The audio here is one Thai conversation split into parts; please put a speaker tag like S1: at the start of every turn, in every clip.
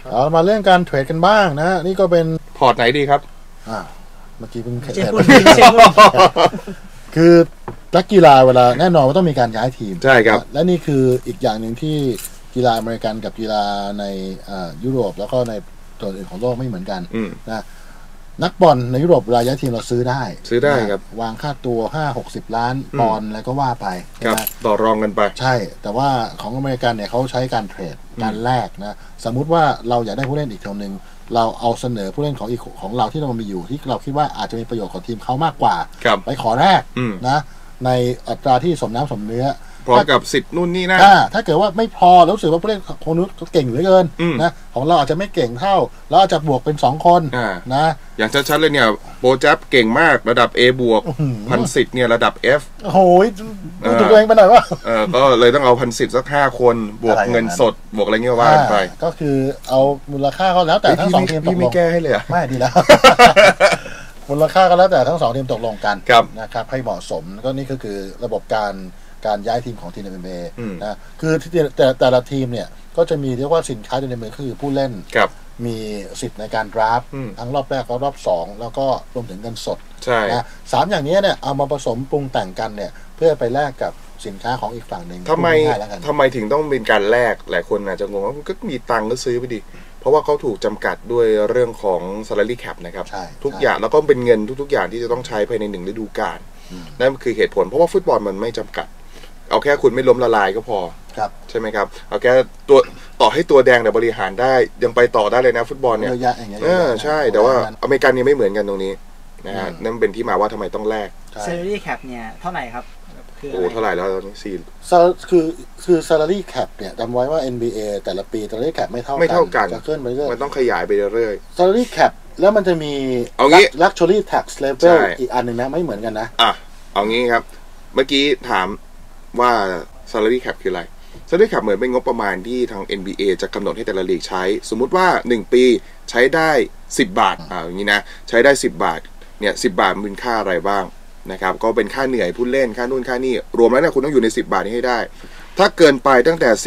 S1: เรามาเรื่องการเทรดกันบ้างนะนี่ก็เป็น
S2: พอร์ตไหนดีครับ
S1: เมื่อกี้เพิ่งเทรดคือนักกีฬาเวลาแน่นอนว่าต้องมีการย้ายทีม
S2: ใช่ครับ
S1: และนี่คืออีกอย่างหนึ่งที่กีฬาอเมริกันกับกีฬาในยุโรปแล้วก็ในตัวอื่นของโลกไม่เหมือนกันนะนักบอลในยุโรปเวลาย้ายทีมเราซื้อได้
S2: ครับ
S1: วางค่าตัว 5-60 ล้านปอนด์อะไรก็ว่าไป
S2: ต่อรองกันไป
S1: ใช่แต่ว่าของอเมริกันเนี่ยเขาใช้การเทรดการแลกนะสมมุติว่าเราอยากได้ผู้เล่นอีกคนหนึ่งเราเอาเสนอผู้เล่นของเราที่เรามีอยู่ที่เราคิดว่าอาจจะมีประโยชน์กับทีมเขามากกว่าไปขอแลกนะในอัตราที่สมน้ำสมเนื้อ
S2: พร้อมกับสิทธิ์นู่นนี่นะ
S1: ถ้าเกิดว่าไม่พอรู้สึกว่าผู้เล่นคนนู้นเก่งเหลือเกินนะของเราอาจจะไม่เก่งเท่าเราอาจจะบวกเป็น2คนนะ
S2: อย่างชัดๆเลยเนี่ยโปรจับเก่งมากระดับ A บวกพันสิทธิ์เนี่ยระดับ F
S1: โอ้โหดูตัวเองไปหน่อยว่า
S2: ก็เลยต้องเอาพันสิทธิ์สัก5คนบวกเงินสดบวกอะไรเงี้ยว่าไป
S1: ก็คือเอามูลค่าเขาแล้วแต่ทั้ง2ทีมตกลง
S2: พี่ไม่แก้ให้เลย
S1: ไม่ดีแล้วมูลค่าก็แล้วแต่ทั้ง2ทีมตกลงกันนะครับให้เหมาะสมก็นี่ก็คือระบบการย้ายทีมของทีม NBA นะคือแต่ละทีมเนี่ยก็จะมีเรียกว่าสินค้าในมือคือผู้เล่นมีสิทธิ์ในการดราฟทั้งรอบแรกและรอบ2แล้วก็รวมถึงเงินสดนะ3อย่างนี้เนี่ยเอามาผสมปรุงแต่งกันเนี่ยเพื่อไปแลกกับสินค้าของอีกฝั่งหนึ่ง
S2: ทำไมถึงต้องเป็นการแลกหลายคนอาจจะงงว่าก็มีตังค์ก็ซื้อไปดิเพราะว่าเขาถูกจำกัดด้วยเรื่องของ salary cap นะครับทุกอย่างแล้วก็เป็นเงินทุกๆอย่างที่จะต้องใช้ภายใน1ฤดูกาลนั่นคือเหตุผลเพราะว่าฟุตบอลมันไม่จำกัดเอาแค่คุณไม่ล้มละลายก็พอใช่ไหมครับเอาแค่ตัวต่อให้ตัวแดงแต่บริหารได้ยังไปต่อได้เลยนะฟุตบอลเนี่ยใช่แต่ว่าอเมริกันนี่ไม่เหมือนกันตรงนี้นะฮะนั่นเป็นที่มาว่าทำไมต้องแลก
S3: salary cap เนี่ยเท่าไหร่ครับ
S2: โอ้เท่าไหร่แล้วตอนนี้
S1: คือ salary cap เนี่ยจำไว้ว่า NBA แต่ละปี salary cap ไม่เท่ากันจะขึ้นไปเรื่อย
S2: มันต้องขยายไปเรื่อย
S1: salary cap แล้วมันจะมี luxury tax level อีกอันหนึ่งนะไม่เหมือนกันนะ
S2: เอางี้ครับเมื่อกี้ถามว่า salary cap คืออะไร salary cap เหมือนเป็นงบประมาณที่ทาง NBA จะกำหนดให้แต่ละลีกใช้สมมุติว่า1ปีใช้ได้10 บาทอย่างนี้นะใช้ได้10 บาทเนี่ย10 บาทมันเป็นค่าอะไรบ้างนะครับก็เป็นค่าเหนื่อยผู้เล่นค่านู่นค่านี่รวมแล้วเนี่ยคุณต้องอยู่ใน10 บาทนี้ให้ได้ถ้าเกินไปตั้งแต่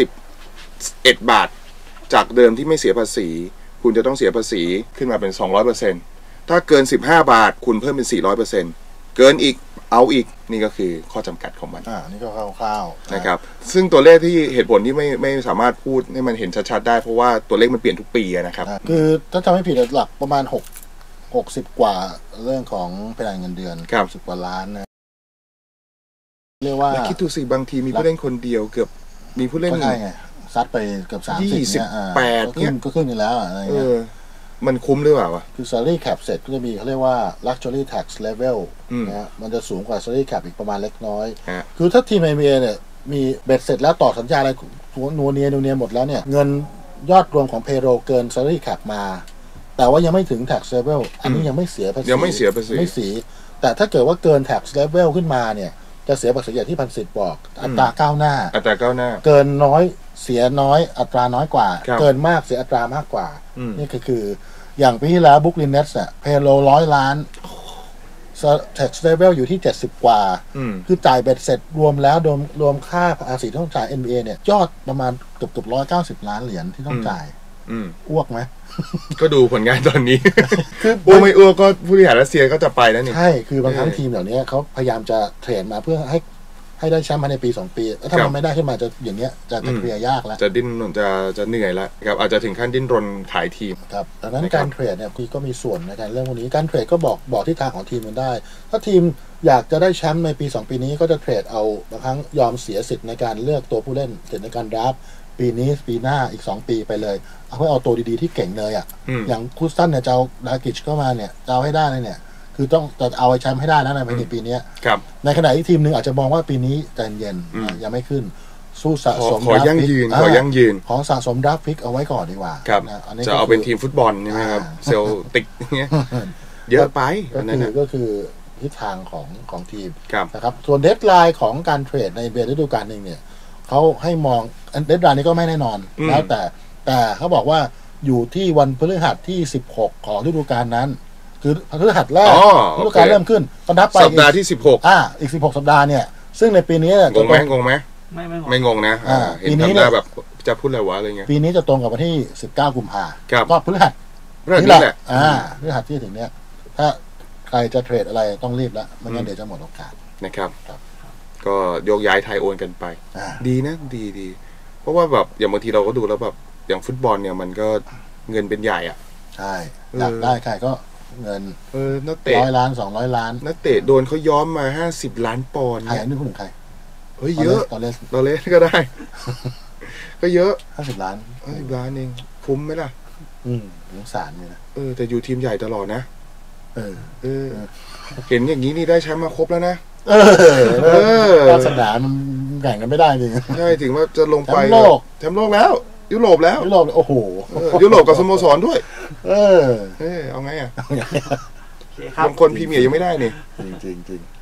S2: 11 บาทจากเดิมที่ไม่เสียภาษีคุณจะต้องเสียภาษีขึ้นมาเป็น 200% ถ้าเกิน15 บาทคุณเพิ่มเป็น 400% เกินอีกเอาอีกนี่ก็คือข้อจำกัดของมัน
S1: นี่ก็คร่าว
S2: ๆนะครับซึ่งตัวเลขที่เหตุผลที่ไม่สามารถพูดให้มันเห็นชัดๆได้เพราะว่าตัวเลขมันเปลี่ยนทุกปีนะครับ
S1: คือถ้าจำไม่ผิดหลักประมาณ60 กว่าเรื่องของเพดานเงินเดือน10 กว่าล้านนะเรียกว่า
S2: คิดดูสิบางทีมีผู้เล่นคนเดียวเกือบมีผู้เล่น
S1: ไงซัดไปเกือบ30เนี่ย
S2: 28
S1: ก็ขึ้นอยู่แล้วอะไรเงี้ย
S2: มันคุ้มหรือเปล่าวะ
S1: คือ salary cap เสร็จก็จะมีเขาเรียกว่า luxury tax level นะมันจะสูงกว่า salary cap อีกประมาณเล็กน้อยคือถ้าทีม NBA เนี่ยมีเบ็ดเสร็จแล้วต่อสัญญาอะไรนัวเนียหมดแล้วเนี่ยเงินยอดรวมของ payroll เกิน salary cap มาแต่ว่ายังไม่ถึง tax level อันนี้ยังไม่เสียภาษี
S2: ไม่เสีย
S1: แต่ถ้าเกิดว่าเกิน tax level ขึ้นมาเนี่ยจะเสียภาษีอย่างที่พันสิทธิ์บอกอัตราก้าวหน้าเกินน้อยเสียน้อยอัตราน้อยกว่าเกินมากเสียอัตรามากกว่านี่คืออย่างปีที่แล้วบุ๊กลินเนตส์เนี่ยเพโล100 ล้าน tax level อยู่ที่70 กว่าคือจ่ายเบ็ดเสร็จรวมแล้วรวมค่าภาษีที่ต้องจ่าย NBA เนี่ยยอดประมาณเกือบ190 ล้านเหรียญที่ต้องจ่ายอ้วกไหม
S2: ก็ดูผลงานตอนนี้คืออ้วกไม่อ้วกก็ผู้บริหารรัสเซียก็จะไปแล้วนี่
S1: ใช่คือบางครั้งทีมเหล่านี้เขาพยายามจะเทรดมาเพื่อให้ได้แชมป์ภายในปี2 ปีแล้วถ้ามันไม่ได้ขึ้นมาจะอย่างเงี้ยจะเคลียร์ยากแล้ว
S2: จะดิ้นจะเหนื่อยแล้วครับอาจจะถึงขั้นดิ้นรนขายทีม
S1: ครับดังนั้นการเทรดเนี่ยก็มีส่วนในการเรื่องพวกนี้การเทรดก็บอกทิศทางของทีมมันได้ถ้าทีมอยากจะได้แชมป์ในปี2 ปีนี้ก็จะเทรดเอาบางครั้งยอมเสียสิทธิ์ในการเลือกตัวผู้เล่นสิทธิ์ในการดราฟปีนี้ปีหน้าอีก2 ปีไปเลยเอาตัวดีๆที่เก่งเลยอย่างคูสตันเนี่ยจะเอาดากิชเข้ามาเนี่ยจะเอาให้ได้เลยเนี่ยคือต้องจะเอาไอ้แชมป์ให้ได้แล้วในปีนี้ในขณะที่ทีมหนึ่งอาจจะมองว่าปีนี้ใจเย็นยังไม่ขึ้นสู้สะสม
S2: ขอยั่งยืน
S1: ของสะสมดราฟพิกเอาไว้ก่อนดีกว่า
S2: จะเอาเป็นทีมฟุตบอลใช่ไหมครับเซลติกเงี้ยเยอะไป
S1: ก็คือทิศทางของทีมนะครับส่วนเดดไลน์ของการเทรดในเดือนฤดูกาลนึงเนี่ยเขาให้มองเดดไลน์นี้ก็ไม่แน่นอนแล้วแต่เขาบอกว่าอยู่ที่วันพฤหัสที่16ของฤดูกาลนั้นคือพฤหัสแรกฤดูกาลเริ่มขึ้นก็นับไป
S2: สัปดาห์ที่16
S1: อีก16 สัปดาห์เนี่ยซึ่งในปีนี้
S2: งงไหมไม่งงนะ
S1: ปีนี้
S2: แบบจะพูดอะไรวะอะไรเงี้ย
S1: ปีนี้จะตรงกับวันที่19 กุมภา
S2: ครับ
S1: ก็พฤหัส
S2: เรื่องนี้แหละ
S1: พฤหัสที่ถึงเนี้ยถ้าใครจะเทรดอะไรต้องรีบแล้วไม่งั้นเดี๋ยวจะหมดโอกาส
S2: นะครับ
S1: ครับ
S2: ก็โยกย้ายไทยโอนกันไป
S1: อ่า
S2: ดีนะดีเพราะว่าแบบอย่างบางทีเราก็ดูแล้วแบบอย่างฟุตบอลเนี่ยมันก็เงินเป็นใหญ่อ่ะ
S1: ใช่อยากได้ใครก็เงิน
S2: นักเตะ
S1: 100 ล้าน 200 ล้าน
S2: นักเตะโดนเขาย้อมมา50 ล้านปอนด์
S1: ใคร
S2: เนี่ย
S1: อันนี้พูดถึงใคร
S2: เฮ้ยเยอะ
S1: ตอนเลส
S2: เราเล่นก็ได้ ก็เยอะ
S1: 50 ล้าน
S2: 50 ล้านเองคุ้มไหมล่ะ
S1: สงสารเลยนะ
S2: แต่อยู่ทีมใหญ่ตลอดนะ
S1: เออ
S2: เห็นอย่างนี้นี่ได้แชมป์มาครบแล้วนะ
S1: วาสนามันแข่งกันไม่ได้จริง
S2: ใช่ถึงว่าจะลงไป
S1: แชมป์โลก
S2: แชมป์โลกแล้ว ยุโรปแล้ว
S1: ยุโรปโอ้โห
S2: ยุโรปกับสโมสรด้วย
S1: เออ
S2: เอาไงอ่ะ
S3: โอเคครับ
S2: บางคนพรีเมียร์ยังไม่ได้นี่
S1: จริง